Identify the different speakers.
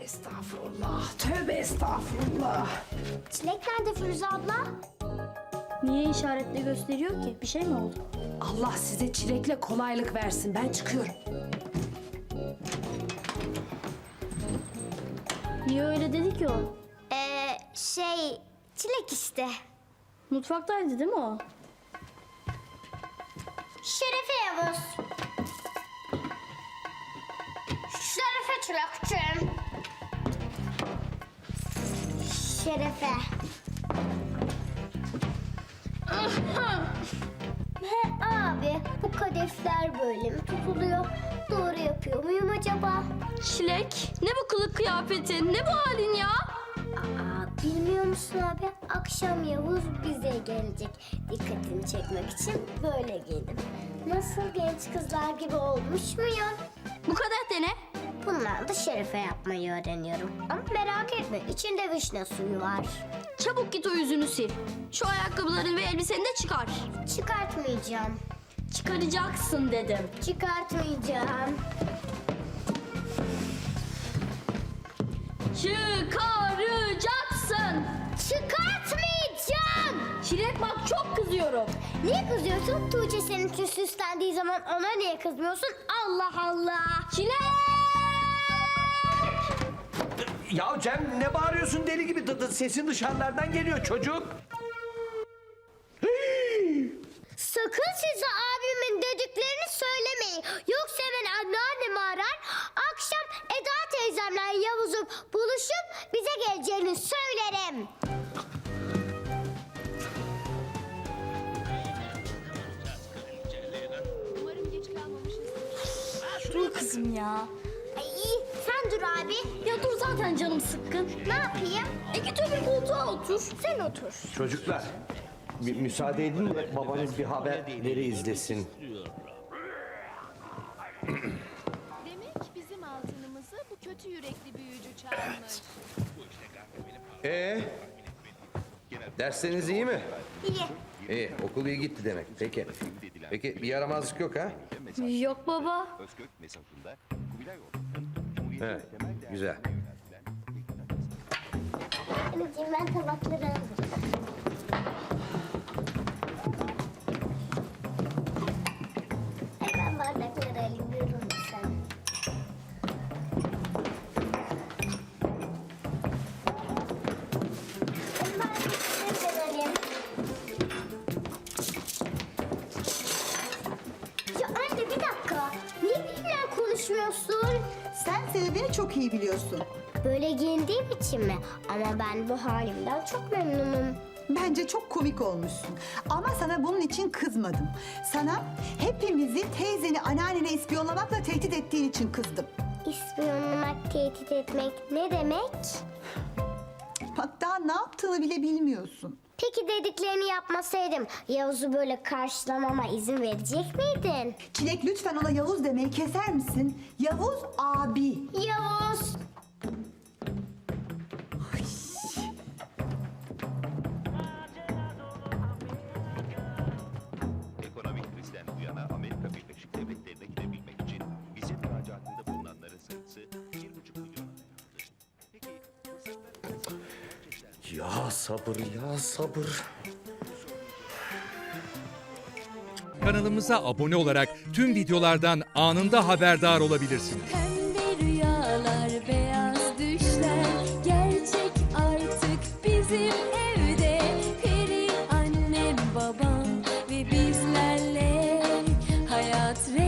Speaker 1: Estağfurullah, tövbe estağfurullah.
Speaker 2: Çilek nerede Firuze abla?
Speaker 3: Niye işaretle gösteriyor ki? Bir şey mi oldu?
Speaker 1: Allah size çilekle kolaylık versin. Ben çıkıyorum.
Speaker 3: Niye öyle dedi ki o?
Speaker 2: Çilek işte.
Speaker 3: Mutfaktaydı değil mi o?
Speaker 2: Şerefe Yavuz. Şerefe Çilekçim. Şerefe. He abi, bu kadefler böyle mi tutuluyor? Doğru yapıyor muyum acaba?
Speaker 3: Çilek, ne bu kılık kıyafetin? Ne bu halin ya?
Speaker 2: Bilmiyor musun abi? Akşam Yavuz bize gelecek. Dikkatini çekmek için böyle giydim. Nasıl genç kızlar gibi olmuş muyum?
Speaker 3: Bu kadar dene.
Speaker 2: Bunlar da şerefe yapmayı öğreniyorum. Ama merak etme, içinde vişne suyu var.
Speaker 3: Çabuk git o yüzünü sil. Şu ayakkabıların ve elbiseni de çıkar.
Speaker 2: Çıkartmayacağım.
Speaker 3: Çıkaracaksın dedim.
Speaker 2: Çıkartmayacağım.
Speaker 3: Çıkaracaksın.
Speaker 2: Çıkartmayacağım!
Speaker 3: Çilek bak çok kızıyorum.
Speaker 2: Niye kızıyorsun? Tuğçe senin için süslendiği zaman ona niye kızmıyorsun? Allah Allah!
Speaker 3: Çilek!
Speaker 4: Ya Cem ne bağırıyorsun deli gibi? Sesin dışarılardan geliyor çocuk.
Speaker 2: Sakın size abimin dediklerini söylemeyin. Yoksa hemen anneannemi arar. Akşam Eda teyzemle Yavuz'un buluşup bize geleceğini söylerim.
Speaker 3: Dur kızım ya.
Speaker 2: Ay, sen dur abi.
Speaker 3: Ya dur zaten canım sıkkın.
Speaker 2: Ne yapayım?
Speaker 3: Git öbür koltuğa otur.
Speaker 2: Sen otur.
Speaker 4: Çocuklar bir müsaade edin de babanız bir haberleri izlesin.
Speaker 5: Demek bizim altınımızı bu kötü yürekli büyücü çalmış.
Speaker 6: Dersleriniz iyi mi?
Speaker 2: İyi.
Speaker 6: İyi, okul iyi gitti demek. Peki. Peki bir yaramazlık yok ha?
Speaker 3: Yok baba.
Speaker 6: He, güzel.
Speaker 2: Anneciğim ben tabakları hazırladım. Ben bardakları alıyorum sen. Ben bardakları alayım. Ya anne bir dakika. Niye benimle konuşmuyorsun?
Speaker 7: Sen sebebini çok iyi biliyorsun.
Speaker 2: Böyle giyindiğim için mi? Ama ben bu halimden çok memnunum.
Speaker 7: Bence çok komik olmuşsun. Ama sana bunun için kızmadım. Sana hepimizi teyzeni anneannene ispiyonlamakla tehdit ettiğin için kızdım.
Speaker 2: İspiyonlamak, tehdit etmek ne demek?
Speaker 7: Bak daha ne yaptığını bile bilmiyorsun.
Speaker 2: Peki dediklerini yapmasaydım Yavuz'u böyle karşılamama izin verecek miydin?
Speaker 7: Çilek lütfen ona Yavuz demeyi keser misin? Yavuz abi.
Speaker 2: Yavuz!
Speaker 8: Ekonomik krizden bu yana Amerika Birleşik Devletleri'ne gidebilmek için vize müracaatında bulunanların sayısı 1,5 milyona dayandı. Peki
Speaker 4: Ya sabır ya sabır.
Speaker 9: Kanalımıza abone olarak tüm videolardan anında haberdar olabilirsiniz.
Speaker 5: Pembe rüyalar, beyaz düşler gerçek artık bizim evde. Peri annem, babam ve bizlerle hayat